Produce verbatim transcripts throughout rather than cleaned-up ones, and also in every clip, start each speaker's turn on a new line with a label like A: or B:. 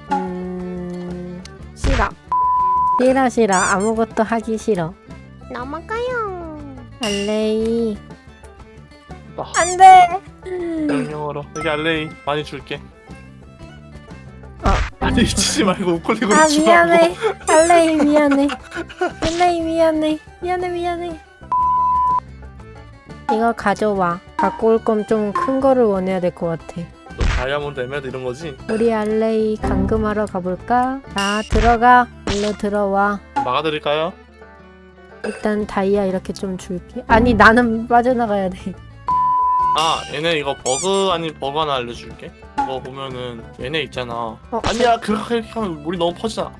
A: 음... 싫어. 싫어 싫어. 아무것도 하기 싫어.
B: 넘어가요.
A: 알레이.
C: 아,
A: 안돼.
C: 명령어로 여기 알레이 많이 줄게.
A: 어.
C: 아니 치지 말고 우클릭으로
A: 아
C: 주라고.
A: 미안해. 알레이 미안해. 알레이 미안해. 미안해 미안해. 이거 가져와. 갖고 올 거면 좀 큰 거를 원해야 될 것 같아.
C: 너 다이아몬드 에메랄드 이런 거지?
A: 우리 알레이 감금하러 가볼까? 자 들어가. 일로 들어와.
C: 막아드릴까요?
A: 일단 다이아 이렇게 좀 줄게. 아니 나는 빠져나가야 돼.
C: 아 얘네 이거 버그 아닌 버그 하나 알려줄게. 이거 보면은 얘네 있잖아.
A: 어,
C: 아니야 그렇게 하면 물이 너무 퍼지잖아.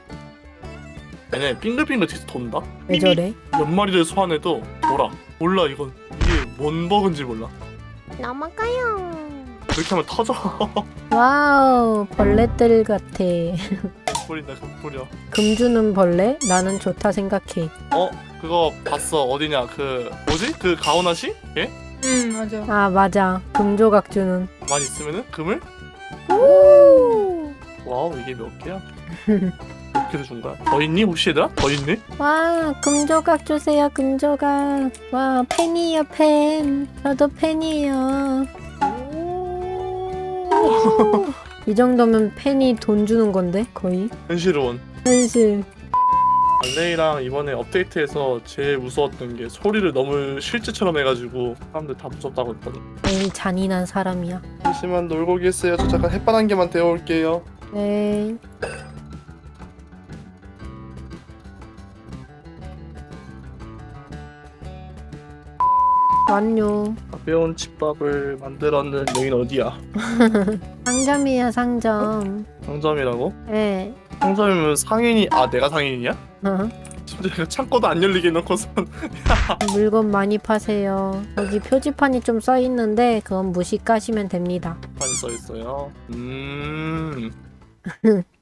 C: 얘네 빙글빙글 뒤에서 돈다?
A: 왜 저래?
C: 몇 마리를 소환해도 돌아. 몰라 이건 이게 뭔 버그인지 몰라.
B: 넘어가요.
C: 그렇게 하면 터져.
A: 와우 벌레들 같아.
C: 뿌린다 그 뿌려.
A: 금 주는 벌레? 나는 좋다 생각해.
C: 어? 그거 봤어. 어디냐 그 뭐지? 그 가오나시? 예?
D: 응 맞아.
A: 아 맞아. 금 조각 주는.
C: 가만히 있으면은 금을?
A: 오!
C: 와우 이게 몇 개야? 몇 개를 준 거야? 더 있니 혹시 얘들아? 더 있니?
A: 와, 금 조각 주세요. 금 조각. 와, 팬이에요, 팬. 저도 팬이에요. 이 정도면 팬이 돈 주는 건데 거의.
C: 현실은
A: 현실.
C: 알레이랑 이번에 업데이트해서 제일 무서웠던 게 소리를 너무 실제처럼 해가지고 사람들 다 무섭다고 했더니.
A: 제일 잔인한 사람이야.
C: 잠시만 놀고 계세요. 저 잠깐 햇반 한 개만 데워올게요.
A: 네. 완료.
C: 가벼운 집밥을 만들었는 여긴 어디야?
A: 상점이야 상점.
C: 상점이라고?
A: 네.
C: 상점이면 상인이 아 내가 상인이야?
A: 어.
C: 심지어 창고도 안 열리게 해놓고선
A: 물건 많이 파세요. 여기 표지판이 좀 써있는데 그건 무시 까시면 됩니다.
C: 많이 써있어요. 음